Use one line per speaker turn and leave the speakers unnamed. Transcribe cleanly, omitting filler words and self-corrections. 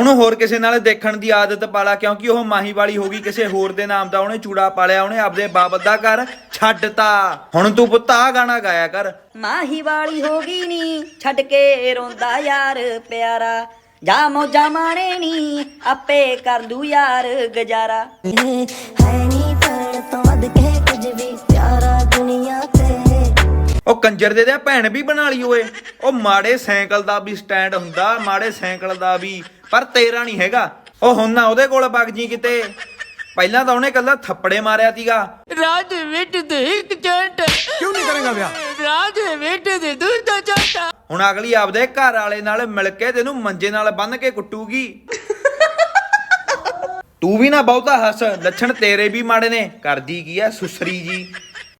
ਉਹਨੂੰ ਹੋਰ ਕਿਸੇ ਨਾਲ ਦੇਖਣ ਦੀ ਆਦਤ ਪਾਲਾ, ਕਿਉਂਕਿ ਉਹ ਮਾਹੀ ਵਾਲੀ ਹੋ ਗਈ। ਕਿਸੇ ਹੋਰ ਦੇ ਨਾਮ ਦਾ ਉਹਨੇ ਚੂੜਾ ਪਾਲਿਆ, ਉਹਨੇ ਆਪਦੇ ਬਾਪ ਦਾ ਘਰ ਛੱਡਤਾ। ਹੁਣ ਤੂੰ ਪੁੱਤ ਆ ਗਾਣਾ ਗਾਇਆ ਕਰ।
ਮਾਹੀ ਵਾਲੀ ਹੋ ਗਈ ਨੀ ਛੱਡ ਕੇ ਰੋਂਦਾ ਯਾਰ ਪਿਆਰਾ, ਜਾ ਮੌਜਾਂ ਮਾਣੇ ਨੀ ਆਪੇ ਕਰ ਲੂ ਯਾਰ ਗੁਜ਼ਾਰਾ।
ਹੈ ਨੀ ਭੈਣ ਤੋਂ ਵੱਧ ਕੇ ਕੁਝ ਵੀ ਪਿਆਰਾ ਦੁਨੀਆ ਤੇ।
ਉਹ ਕੰਜਰ ਦੇ ਭੈਣ ਵੀ ਬਣਾ ਲਈ ਓਏ। ਉਹ ਮਾੜੇ ਸਾਈਕਲ ਦਾ ਵੀ ਸਟੈਂਡ ਹੁੰਦਾ, ਮਾੜੇ ਸਾਈਕਲ ਦਾ ਵੀ, ਪਰ ਤੇਰਾ ਨਹੀਂ ਹੈਗਾ। ਉਹ ਹੁਣ ਨਾ ਉਹਦੇ ਕੋਲ ਵਗ ਜੀ ਕਿਤੇ। ਪਹਿਲਾਂ ਤਾਂ ਉਹਨੇ ਕੱਲਾ ਥੱਪੜੇ ਮਾਰਿਆ ਸੀਗਾ।
ਰਾਜ ਵਿੱਚ ਦੇ ਇੱਕ ਚੰਟ
ਕਿਉਂ ਨਹੀਂ ਕਰੇਗਾ ਵਿਆਹ?
ਰਾਜ ਵਿੱਚ ਦੇ ਦੂਜਾ ਚੰਟ।
ਹੁਣ ਅਗਲੀ ਆਪਦੇ ਘਰ ਵਾਲੇ ਨਾਲ ਮਿਲ ਕੇ ਤੈਨੂੰ ਮੰਜੇ ਨਾਲ ਬੰਨ ਕੇ ਕੁੱਟੂਗੀ। ਤੂੰ ਵੀ ਨਾ ਬਹੁਤਾ ਹੱਸ, ਲੱਛਣ ਤੇਰੇ ਵੀ ਮਾੜੇ ਨੇ। ਕਰਦੀ ਕੀ ਐ ਸੁਸਰੀ ਜੀ।